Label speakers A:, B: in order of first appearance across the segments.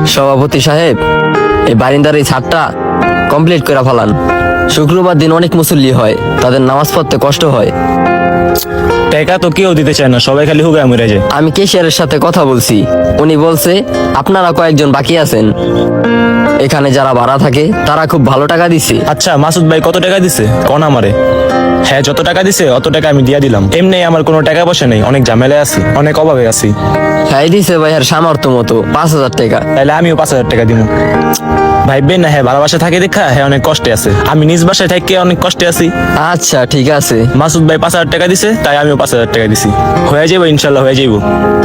A: সভাপতি সাহেব, এই বারিন্দার এই ছাদটা কমপ্লিট করে ফেলান। শুক্রবার দিন অনেক মুসল্লি হয়, তাদের নামাজ পড়তে কষ্ট হয়।
B: টাকা তো কেউ দিতে চায় না, সবাই খালি হুগায় মরে যায়।
A: আমি ক্যাশিয়ারের সাথে কথা বলছি, উনি বলছে আপনারা কয়েকজন বাকি আছেন। এখানে যারা ভাড়া থাকে তারা খুব ভালো টাকা দিছে।
B: আচ্ছা মাসুদ ভাই কত টাকা দিছে কোন আমারে? হ্যাঁ, যত টাকা দিছে অত টাকা আমি দিয়া দিলাম। এমনি আমার কোনো টাকা পয়সা নেই, অনেক ঝামেলায় আছি, অনেক অভাবে আছি।
A: হ্যাঁ দিছে ভাইয়ার সামর্থ্য মতো 5,000 টাকা।
B: তাহলে আমিও 5,000 টাকা দিব। ভাইবেন না, হ্যাঁ ভালোবাসা থাকে দেখা হ্যাঁ অনেক কষ্টে আছে, আমি নিজ বাসায় থেকে অনেক কষ্টে আছি।
A: আচ্ছা ঠিক আছে।
B: মাসুদ ভাই 5,000 টাকা দিছে, তাই আমিও 5,000 টাকা দিছি। হয়ে যাবো ইনশাল্লাহ, হয়ে যাইব।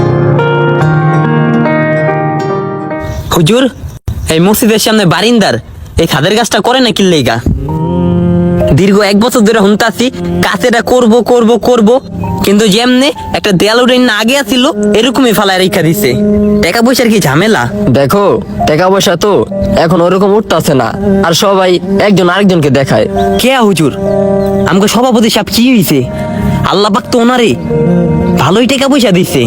C: হুজুর, এই মসজিদের সামনে বারিন্দার এই খাদের গাছটা করে না কিল্লেগা? দীর্ঘ 1 বছর ধরে হুনতাছি কাছেটা করব করব করব, কিন্তু যেমনে একটা দেয়াল উঠে না আগে আসিল এরকমই ফালায় রেখা দিছে। টাকা পয়সার কি ঝামেলা?
A: দেখো, টাকা পয়সা তো এখন ওরকম উঠতেছে না, আর সবাই একজন আরেকজনকে দেখায়।
C: কে হুজুর? আমাকে সভাপতি সাহেব কি হয়েছে? আল্লাহ পাক তো ওনারে ভালোই টাকা পয়সা দিছে।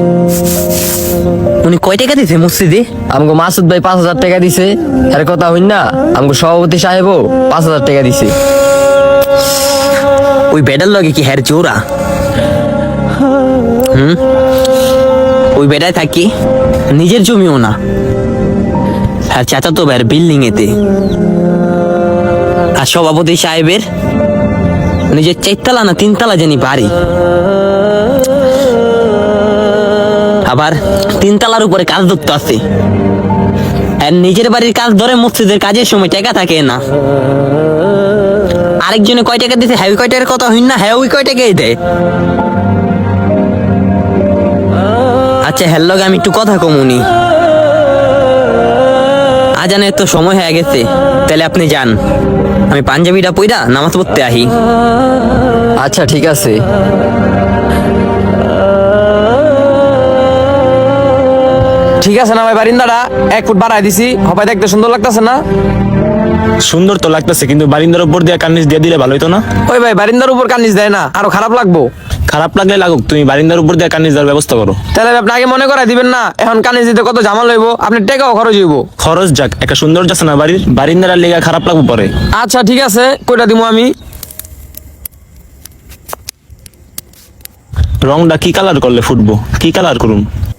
C: উনি কয় টাকা দিছে মসজিদে?
A: আমগো মাসুদ ভাই 5,000 টাকা দিছে, এর কথা হইন না। আমগো সভাপতি সাহেবও 5,000 টাকা দিছে।
C: ওই বেডার লগে কি হ্যার জোড়া? ওই বেডায় থাকি, নিজের জমিও না, আর চাচা তো ভাইয়ের বিল্ডিং এতে। আর সভাপতি সাহেবের নিজের 4 না 3 জানি বাড়ি, আবার 3 উপরে কাজ ধরতে আছে। আর নিজের বাড়ির কাজ ধরে মসজিদের কাজের সময় টাকা থাকে না। আরেকজনে কয় টাকা দিতে, হ্যাঁ কয় টাকার কথা হইন না, হ্যাঁ ওই কয় টাকাই দেয়। আচ্ছা হ্যার লগে আমি একটু কথা কমুনি। আজানের তো সময় হয়ে গেছে, তাহলে আপনি যান, আমি পাঞ্জাবিটা পইরা নামাজ পড়তে আহি।
A: আচ্ছা ঠিক আছে।
D: ঠিক আছে না ভাই, বারিন্দাটা 1 ফুট বাড়াই দিছি, হবাই দেখতে সুন্দর লাগতেছে না?
B: সুন্দর তো লাগতেছে, কিন্তু বারিন্দার উপর দিয়ে কার্নিশ দিয়ে দিলে ভালো হতো না?
D: ওই ভাই, বারিন্দার উপর কার্নিশ দেয় না, আরো খারাপ লাগবো।
B: খারাপ লাগলে লাগুক, তুমি বারিন্দার উপর দিয়ে কার্নিশ দেওয়ার ব্যবস্থা করো।
D: তাহলে আপনি আগে মনে করাই দিবেন না, এখন কার্নিশ দিতে কত ঝামেলা হইব, আপনি টাকাও খরচ হইব।
B: খরচ যাক, একটা সুন্দর যাচ্ছে না বাড়ির, বারিন্দার লেগে খারাপ লাগবো পরে।
D: আচ্ছা ঠিক আছে, কইটা দিব আমি।
B: রংটা কি কালার করলে ফুটবো, কি কালার করুন?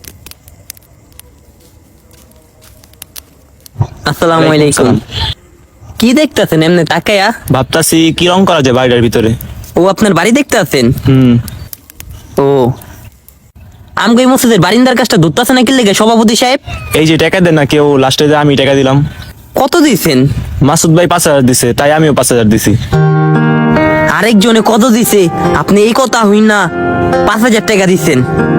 C: আসসালামু আলাইকুম। কি দেখতেছেন এমনি তাকায়া?
B: ভাবতাছি কি রং করা যায় বাড়িটার ভিতরে।
C: ও আপনার বাড়ি দেখতে আছেন? ও, আমগো এই মসজিদের বারিন্দার কাজটা ধরতেছে না কি লেগে সভাপতি সাহেব?
B: এই যে টাকা দেন না কেউ, লাস্টে আমি টাকা দিলাম।
C: কত দিছেন?
B: মাসুদ ভাই 5,000 দিছে, তাই আমিও 5,000 দিছি।
C: আরেকজনে কত দিছে? আপনি এই কথা হইন না 5,000 টাকা দিছেন।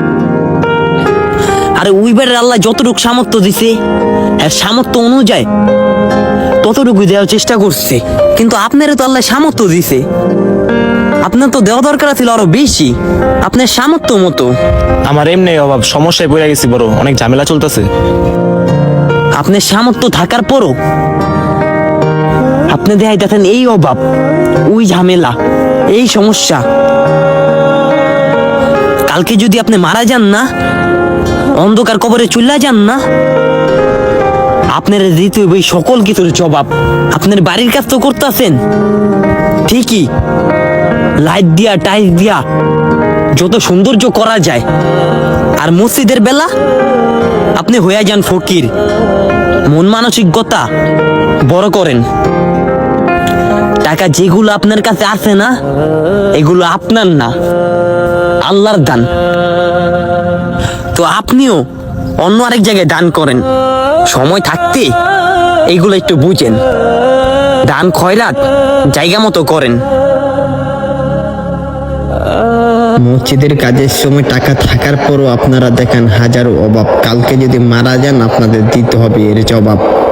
C: আরে ওই বেড়ের আল্লাহ যতটুকু সামর্থ্য দিছে, হ্যাঁ সামর্থ্য অনুযায়ী ততটুকু দেওয়ার চেষ্টা করছে, কিন্তু আপনার তো আল্লাহ সামর্থ্য দিছে, আপনার তো দেওয়া দরকার ছিল আরো বেশি, আপনার সামর্থ্য মতো।
B: আমার এমনি অভাব, সমস্যায় পড়ে গেছি বড়, অনেক ঝামেলা চলতেছে।
C: আপনার সামর্থ্য থাকার পরও আপনি দেখাইতেছেন এই অভাব, ওই ঝামেলা, এই সমস্যা। কালকে যদি আপনি মারা যান না, অন্ধকার কবরে চলে যান না, আপনার দিতে হবে সকল কিছুর জবাব। আপনার বাড়ির কাজ তো করতেছেন ঠিকই, লাইট দিয়া টাইলস দিয়া যত সৌন্দর্য করা যায়, আর মসজিদের বেলা আপনি হয়ে যান ফকির, মন মানসিকতা বড় করেন। টাকা যেগুলো আপনার কাছে আছে না, এগুলো আপনার না, আল্লাহর দান। তো আপনিও অন্য আরেক জায়গায় দান করেন, সময় থাকতে এইগুলো একটু বুঝেন, দান খয়রাত জায়গা মতো করেন।
E: মসজিদের কাজের সময় টাকা থাকার পরও আপনারা দেখেন হাজারো অভাব, কালকে যদি মারা যান আপনাদের দিতে হবে এর জবাব।